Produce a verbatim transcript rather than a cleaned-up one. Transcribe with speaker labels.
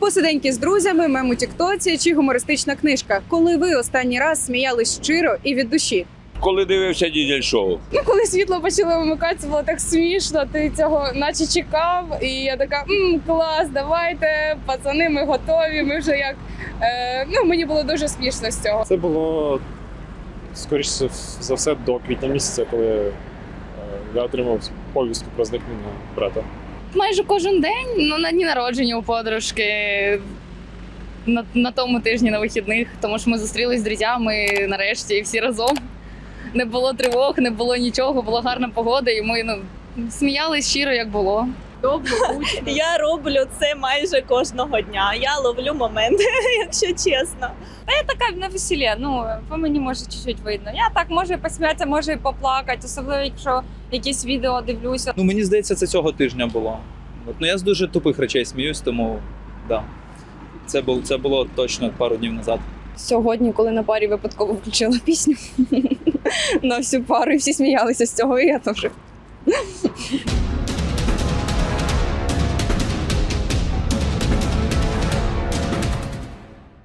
Speaker 1: Посиденьки з друзями, мем у тіктоці чи гумористична книжка. Коли ви останній раз сміялись щиро і від душі?
Speaker 2: Коли дивився дізель-шоу.
Speaker 1: Ну, коли світло почало вимикатися, було так смішно, ти цього наче чекав. І я така, мм, клас, давайте, пацани, ми готові, ми вже як... Е, ну, мені було дуже смішно з цього.
Speaker 3: Це було, скоріше за все, до квітня місяця, коли е, я отримав повістку про зникнення брата.
Speaker 4: Майже кожен день, ну на дні народження у подружки, на, на тому тижні на вихідних, тому що ми зустрілись з друзями нарешті всі разом. Не було тривог, не було нічого, була гарна погода, і ми ну, сміялись щиро, як було.
Speaker 5: Я роблю це майже кожного дня. Я ловлю моменти, якщо чесно.
Speaker 6: Та я така на весіллі, ну, по мені може чуть-чуть видно. Я так можу і посміятися, можу і поплакати, особливо якщо якісь відео дивлюся.
Speaker 7: Ну, мені здається, це цього тижня було. От, ну, я з дуже тупих речей сміюсь, тому да. Це, було, це було точно пару днів назад.
Speaker 1: Сьогодні, коли на парі випадково включила пісню на всю пару, і всі сміялися з цього, і я теж.